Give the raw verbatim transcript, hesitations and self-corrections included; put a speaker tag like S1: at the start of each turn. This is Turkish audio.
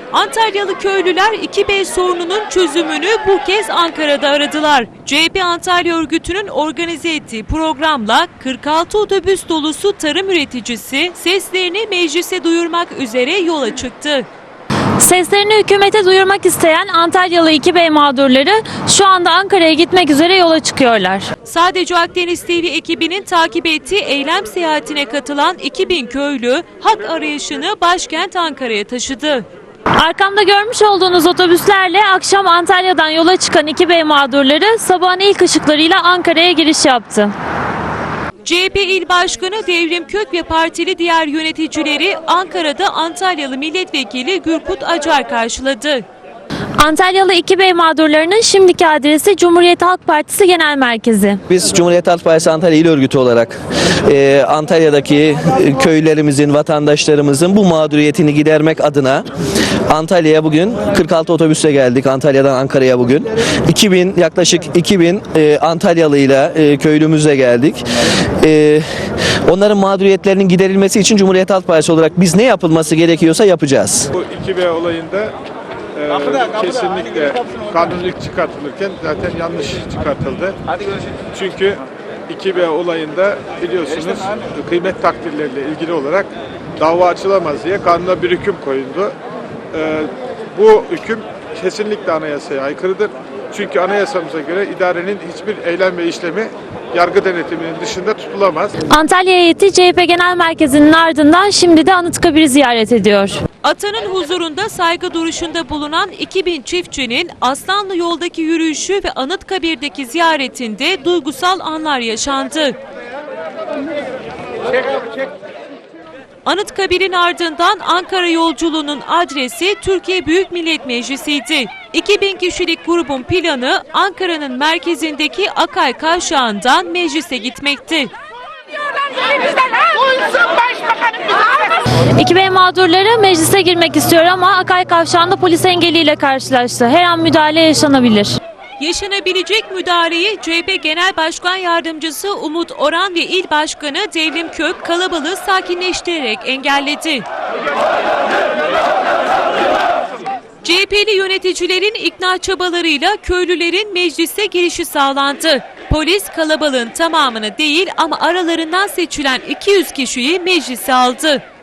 S1: Antalyalı köylüler iki B sorununun çözümünü bu kez Ankara'da aradılar. C H P Antalya örgütünün organize ettiği programla kırk altı otobüs dolusu tarım üreticisi seslerini meclise duyurmak üzere yola çıktı.
S2: Seslerini hükümete duyurmak isteyen Antalyalı iki B mağdurları şu anda Ankara'ya gitmek üzere yola çıkıyorlar.
S1: Sadece Akdeniz T V ekibinin takip ettiği eylem seyahatine katılan iki bin köylü hak arayışını başkent Ankara'ya taşıdı.
S2: Arkamda görmüş olduğunuz otobüslerle akşam Antalya'dan yola çıkan iki B mağdurları sabahın ilk ışıklarıyla Ankara'ya giriş yaptı.
S1: C H P İl Başkanı Devrim Kök ve partili diğer yöneticileri Ankara'da Antalyalı Milletvekili Gürkut Acar karşıladı.
S2: Antalyalı iki B mağdurlarının şimdiki adresi Cumhuriyet Halk Partisi Genel Merkezi.
S3: Biz Cumhuriyet Halk Partisi Antalya İl Örgütü olarak e, Antalya'daki e, köylerimizin, vatandaşlarımızın bu mağduriyetini gidermek adına Antalya'ya bugün kırk altı otobüsle geldik. Antalya'dan Ankara'ya bugün. iki bin yaklaşık iki bin e, Antalyalıyla e, köylümüzle geldik. E, onların mağduriyetlerinin giderilmesi için Cumhuriyet Halk Partisi olarak biz ne yapılması gerekiyorsa yapacağız.
S4: Bu iki B olayında e, kesinlikle kanunluk çıkartılırken zaten yanlış çıkartıldı. Çünkü iki B olayında biliyorsunuz kıymet takdirleriyle ilgili olarak dava açılamaz diye kanuna bir hüküm koyuldu. E, bu hüküm kesinlikle anayasaya aykırıdır. Çünkü anayasamıza göre idarenin hiçbir eylem ve işlemi yargı denetiminin dışında tutulamaz.
S2: Antalya heyeti C H P Genel Merkezi'nin ardından şimdi de Anıtkabir'i ziyaret ediyor.
S1: Atanın huzurunda saygı duruşunda bulunan iki bin çiftçinin Aslanlı yoldaki yürüyüşü ve Anıtkabir'deki ziyaretinde duygusal anlar yaşandı. Anıtkabir'in ardından Ankara yolculuğunun adresi Türkiye Büyük Millet Meclisi'ydi. iki bin kişilik grubun planı Ankara'nın merkezindeki Akay Kavşağı'ndan meclise gitmekti.
S2: iki B mağdurları meclise girmek istiyor ama Akay Kavşağı'nda polis engeliyle karşılaştı. Her an müdahale yaşanabilir.
S1: Yaşanabilecek müdahaleyi C H P Genel Başkan Yardımcısı Umut Oran ve İl Başkanı Devrim Kök kalabalığı sakinleştirerek engelledi. C H P'li yöneticilerin ikna çabalarıyla köylülerin meclise girişi sağlandı. Polis kalabalığın tamamını değil ama aralarından seçilen iki yüz kişiyi meclise aldı.